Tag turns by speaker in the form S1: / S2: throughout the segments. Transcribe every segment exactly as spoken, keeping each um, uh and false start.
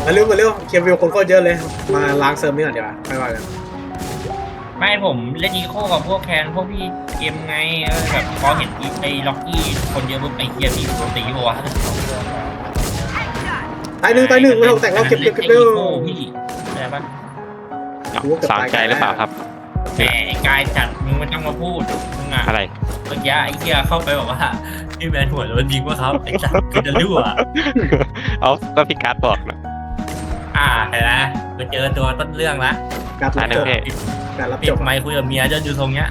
S1: มาเร็วมาเร็วเคลียร์วิวคนก็เยอะเลยมาล้างเซิร์ฟนี่ก่อนเดี๋ยวไม่ว่ากัน
S2: ไม่ผมเล่นอีโคกับพวกแคนพวกพี่เกมไงเออแบบพอเห็นไอ้ล็อกกี้คนเยอะปุ๊บไอ้เฮียมีคนตีหัว
S1: ตายหนึ่งตายหนึ่งไม่ต้องแต่งเราเก็บเก็บเก็บเร็ว
S2: พี่อะไรปะ
S3: สามใจหรือเปล่าครับ
S2: แหมไอ้กายจัดมึงไม่ต้องมาพูดมึงอะ
S3: อะไร
S2: เมื่อกี้ไอ้เฮียเข้าไปบอกว่าพี่แมนหัวโดนยิงว่าเขาไอ้จัดคือจะรั่ว
S3: เอาก็พี่การ์ดบอกนะ
S2: อ่าเห็นไหมไปเจอตัวต้นเรื่องละ
S1: การรับจบการรับ
S2: ปิ
S1: จ
S2: ด
S1: บ
S2: ไมค์คุยกับเมียจนอยู่ตรงเนี้ย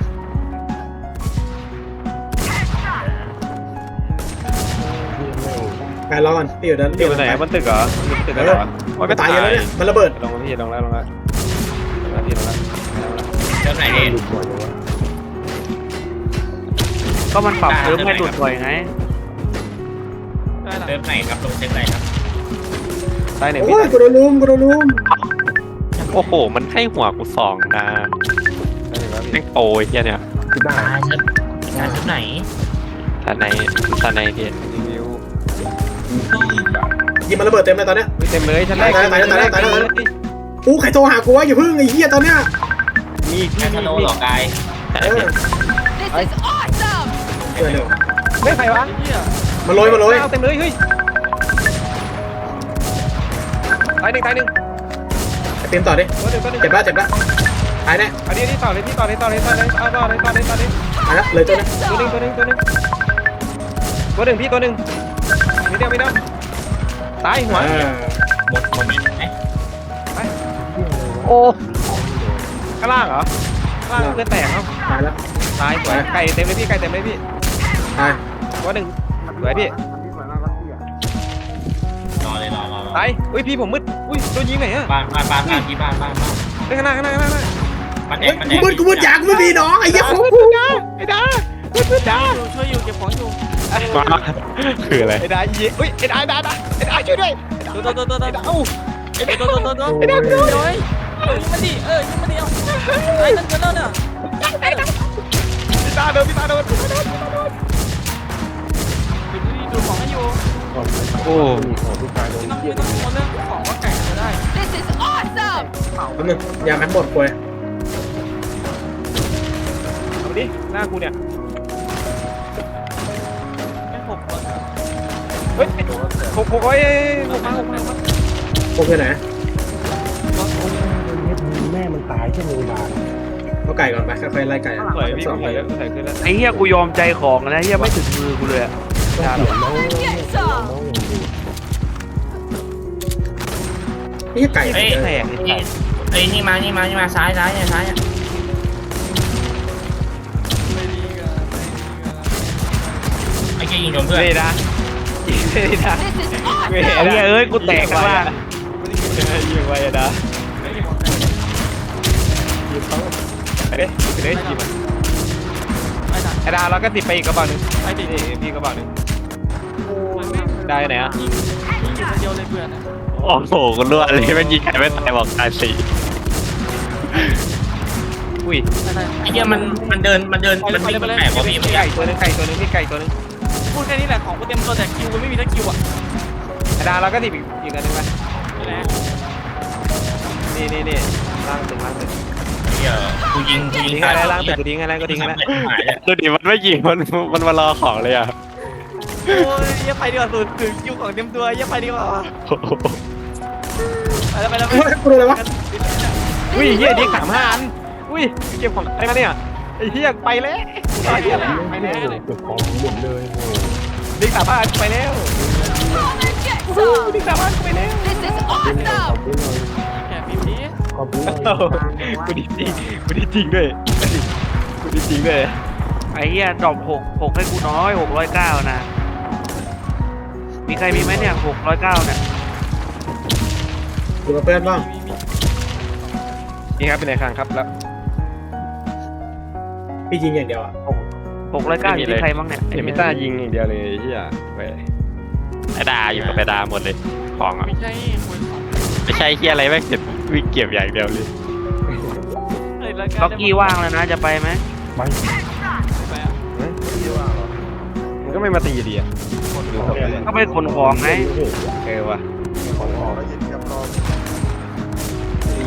S1: การรอก่อนพี่อยู่ด้าน
S4: อยู่ไหนมันตึกเหรอมันตึกเหรอ
S1: มันก็ตายเยอะแล้วเนี่ยมันระเบิด
S4: ลงแล้วพี่ลงแล้วลงแล้วลงแล้วพี่ลงแล้ว
S2: เจ้าไหนเด่น
S5: ก็มันปรับเซิร์ฟให้หลุดบ่อยไง
S2: เริ่มไหนครับลงเซ็ตไหนครับ
S4: ตายหนึ่ง
S1: โอ้
S4: พี่
S1: ยกูโดนลุมกูโดนลุม
S3: โอ้โหมันให้หัวกูสองนะ
S4: ตายหนึ่งแล้วพี่
S3: แม่งโปรยเฮียเนี่ย
S2: ตายเซ็ตงานเซ็ตไหน
S3: ตาในตาในพี่
S4: รีวิว
S1: ยิงมันระเบิดเต็มเลยตอนเนี้ย
S4: เต็มเลยชั้นแรก
S1: อู้ใครโทรหากูวะอย่าพึ่งไอ้เหี้ยตอนเนี้ย
S4: มีอีก
S2: แค่ทะโลหรอกาย
S3: ใช่
S1: เออ
S3: พี่
S6: This is awesome!
S1: เออเร็ว
S4: ไม่ใครวะ
S1: มาโรยมาโรย
S4: เต็มเลยเฮ้ยตายหนึ่งตายหนึ่ง
S1: เต็มต่อดิ
S4: ตัวหนึ่งตัวหนึ่ง
S1: เจ็บละเจ็บละตายแน่
S4: อันนี้นี่ต่อเลยพี่ต่อเลยต่อเลยต่อเลยเอาต่อเลยต่อเลยต่อเลย
S1: ตายละเลยตัวนึง
S4: ตัวหนึ่งตัวหนึ่งตัวหนึ่งตัวหนึ่งพี่ตัวหนึ่งไม่เดียวไม่เดียวตายหัว
S2: หมดโมเมนต์ไหม
S4: โอ้ข้างล่างเหรอข้างล่างเลือดแตกเอ้า
S1: ตายละ
S4: ตายสวยไก่เต็มเลยพี่ไก่เต็มเลยพี่
S1: ตาย
S4: ตัวหนึ่งสวยพี่
S2: รอเลยรอรอรอ
S4: ตายอุ้ยพี่ผมมืดอุ้ยโดนยิงไหนอะ
S2: บ้านบ้านบ้านบ้านที่บ้านบ้านบ้าน
S4: ไปข้างหน้าข้างหน้าข้างหน้า
S2: มันแด
S1: เฮ้ย
S2: งมันแด
S1: กู
S2: ง
S1: มืดกูมืดยากูไม่มีน้องไอ้เหี้ยของกู
S4: ไอ้ดาไอ้ดา
S5: ช่วยอยู่เก็บของอยู่
S3: มาคืออะไร
S4: ไอ้ดาเยี่อุ้ยไอ้ดาไอ้ดาไอ้ดาช่วยด้วย
S5: ตัวตัวตัวตัว
S4: ไอ้ดาเอ้า
S5: ตัวตัวตัวตัวไอ้ดาวดูเลยยิงมันดิเออยิงมันดิเอาไอ้นั่นกันแล้วเนี่ย
S4: ไอ้ดาโดนพี่ตาโดน
S5: ดูของให้อยู่
S3: โอ้
S5: ไม่ต้องไม่ต้องกังวลเรื่องของว่าไก่จะได้
S6: This is awesome!
S1: แป๊บนึงยาแม็กหมดกูเลย
S4: เอาดิหน้ากูเนี่ย
S5: ไม่หกคน
S4: เฮ้ยหกหกเอ้ยหกมาหกมา
S1: กูไปไหน
S7: แม่มันตายชั่วโมงนาน
S1: เอาไก่ก่อนไปค่อยๆไล่ไก่
S4: สวยพี่
S1: สอง
S4: ส
S1: เล
S4: วย
S1: ย
S4: แล้วสวยขึ้นแล้ว
S5: ไอ้เหี้ยกูยอมใจของนะเหี้ยไม่ถึงมือกูเลยอะ
S4: ดา
S7: เดี๋ยวน้อง
S6: Get some!
S1: นี่ไก่
S2: เฮ้ย
S1: เออ
S2: เฮ้ยนี่มานี่มานี่มาซ้ายซ้ายเนี่ยซ้ายเนี่ยไอ้เจ๊ยิงโดนเพื่อน
S4: เฮ้ยดาเฮ้ยดา
S6: This is
S4: เฮ้ย
S6: awesome!
S5: ไอ้เหี้ยเอ้ยกูแตกข้างล่าง
S4: ยิงไว้ดาไปดิไปดิยิงมันไอ้ดาเราก็ติดไปอีกกระบอกหนึ่งไอ้ติดพี่กระบอกหนึ่งได้ไหนอ่ะ
S5: ยิงยิงอยู่คนเดียวเลยเพื่อน
S3: โอ้โหกูรั่วเลยแม่งยิงใครไม่ตายบอกตายสี่
S4: อุ้ย
S2: ไอ้เหี้ยมันมันเดินมันเดินมันวิ่งแปลกกว่าพี่ไม่ใช่
S4: ไก่ตัวนึงไก่ตัวนึงพี่ไก่ตัวนึง
S5: พูดแค่นี้แหละของกูเต็มตัวแต่คิวกูไม่มีทั้งคิวอ่ะ
S4: ไอ้ดาเราก็ติดอีกอีกอันนึงไป
S5: นี่แหละ
S4: นี่นี่นี่ล่างตึกล่างตึก
S2: เหี้ยกูยิงกูยิง
S4: ทิ้งอะไรล่างตึกกูทิ้งอะไรก็ทิ้งอะไร
S2: หายเลย
S3: ดูดิมันไม่ยิงมันมันมารอของเลยอ่ะ
S5: โอ้ยเยี่ยไปดีกว่าสุดถึงคิวของเต็มตัวเยี่ยไปดีกว่า
S3: โอ้โห
S5: ไปแล้วไปแล้วไป
S1: เฮ้ยกูโดนอะไรวะ
S4: อุ้ยเฮียดิ้งสามห้าอันอุ้ยเก็บของอะไรมาเนี่ยไอ้เฮียไปแล้วไอ้เฮียไปแล้ว
S7: เก็บของหมดเลยโอ้
S4: ดิ้งสามห้าอันไปแล้ว
S6: Get
S4: โอ้
S6: some!
S4: ดิ้งสามห้าอันไปแล้ว
S6: This is
S7: ขอบ
S6: awesome!
S7: คุณเลย
S5: แค่พี่พี่
S7: ขอบคุณเลย
S4: กูดีจริงกูดีจริงด้วยกูดีจริงด้วย
S5: ไอ้เหี้ยดรอปหกหกให้กูน้อยหกร้อยเก้านะมีใครมีไหมเนี่ยหกร้อยเก้าเนี่ย
S1: อยู่กับเพื่อนบ้าง
S4: นี่ครับเป็นไงครั้งครับแล้ว
S1: พี่ยิงอย่างเดียวอ่ะ
S5: หกร้อยเก้าอยู่ที่ใครบ้างเนี่ย
S4: เอมิต้ายิงอย่างเดียวเลยเฮียไป
S3: ไอ้ดาอยู่กับไอ้ดาหมดเลยของอ่ะ
S5: ไม่ใช่หวยของ
S3: ไม่ใช่เฮียอะไรแม่งเก็บวิ่งเก็บอย่างเดียวเลย
S5: เฮ้ยร้อยเก้าล็อกกี้ว่างแล้วนะจะไปไหม
S7: ไป
S5: ไปอ่ะ
S4: มันก็ไม่มาตีดีอ่ะ
S5: ก็ไปขนของไง
S4: เออว่ะ
S7: ของออก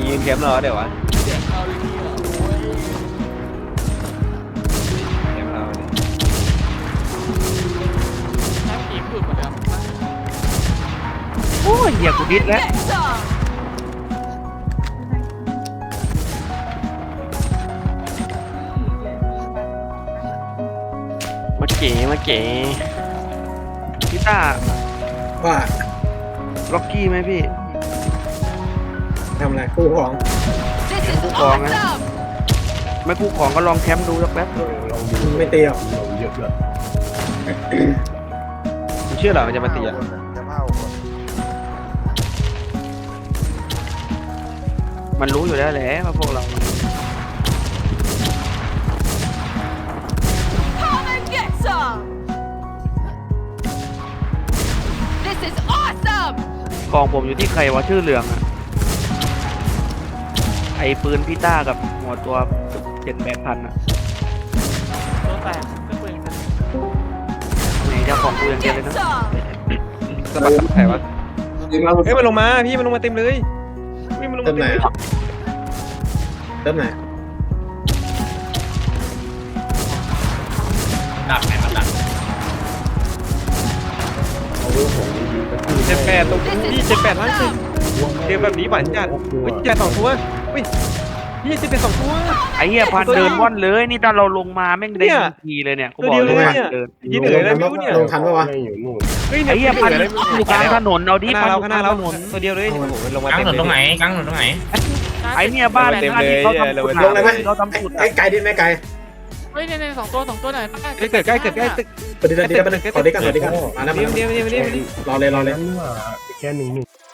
S4: ยืนแคมป์รอเดี๋ยววะแคมป์เราดิ
S5: โอ้ยเหี้ยกูดิดแล้ว
S6: Get some.
S3: มาเก๋มาเก๋
S5: พี่ต้า
S1: ว่า
S5: ล็อกกี้ไหมพี่
S1: ทำอะไรคู่ของ
S6: This is
S5: Cô còn á.
S6: awesome.
S5: ไม่กู้ของก็ลองแคมป์ดูสักแป๊บ
S7: เออลองดู
S1: ไม่ตีหรอก
S7: เราเยอะเลย
S4: มึงเชื่อเหรอมันจะมาตีอ่ะ
S5: มันรู้อยู่แล้วแหละว่าพวกเรา
S6: Come and get some. This is awesome.
S5: กองผมอยู่ที่ใครวะชื่อเหลืองอะไอปืนพี่ต้ากับหัวตัวเจ็ดแปดพันอะไหนเจ้าของกูอย่างเดียวเลย
S6: Get
S5: นะ
S6: some.
S4: สะบัดใครวะเฮ้ยมันลงมาพี่มันลงมาเต็มเลยพี่มันลง
S1: เติ
S4: มาม เต็
S1: ไหน
S4: มเลย
S1: อะเติมไหน
S2: ดักไหนมาดัก
S7: เอาเรื่องของดีๆก็คือ
S4: เจ็ดแปดตรงพี่เจ็ดแปดล้านสิบเกมแบบนี้หวานจัดเฮ้ยเจ็ดสองตัวเฮ้ยพี่เจ็ดเป็นสองตัว
S5: ไอเหี้ยพันเดินว่อนเลยนี่ตอนเราลงมาแม่งได้
S4: เนี่ย
S5: ทันทีเลยเนี่ยกู
S4: ตัว
S5: บอก
S4: เดียว
S5: เล
S4: เลย
S5: ย
S4: เนี่ย
S5: เดิน
S4: ยินเหนื่อยเลยไม่รู้เนี่ย
S1: ลงทันปะวะ
S7: ไม่อยู่นู่น
S4: เฮ้ย
S5: ไอเหี้ยพัน
S4: เหนื่
S5: อยู่กลางถนนเอาดิ
S4: หน้า
S5: พันอ
S4: เรา
S5: ยู่
S4: ข้างหน้า
S5: ก
S4: เรา
S5: ลางถนน
S4: ตัวเดียวเลยโอ้โหมันลงมาก
S2: ลาง
S4: เต็
S2: ถ
S4: ม
S2: นนตรงไหน
S4: เลย
S2: กลางถนนตรงไหน
S5: ไอเนี่ยบ้าน
S4: เต็ม
S5: บ้าน
S4: เลย
S5: ที่เขาทำ
S4: เลย
S5: สุด
S1: ลงเลยไหม
S5: เขาทำสุด
S1: ไอ้ไกลดินไหมไกล
S8: เฮ้ยเนี่ยสองตัวสองตัวไหน
S4: เฮ้ยเกิดใกล้เกิดใกล้ตึก
S1: ปฏิเสธดีกันไปหนึ่งขอดีกันขอดีกันมาแล้วมา
S4: เดี๋ยว
S1: แล้ว
S4: เดี๋ยวเดี๋ยวเดี๋ยว
S1: รอเลยรอเลย
S7: นั่นนี่หว่าแค่หนึ่งหนึ่ง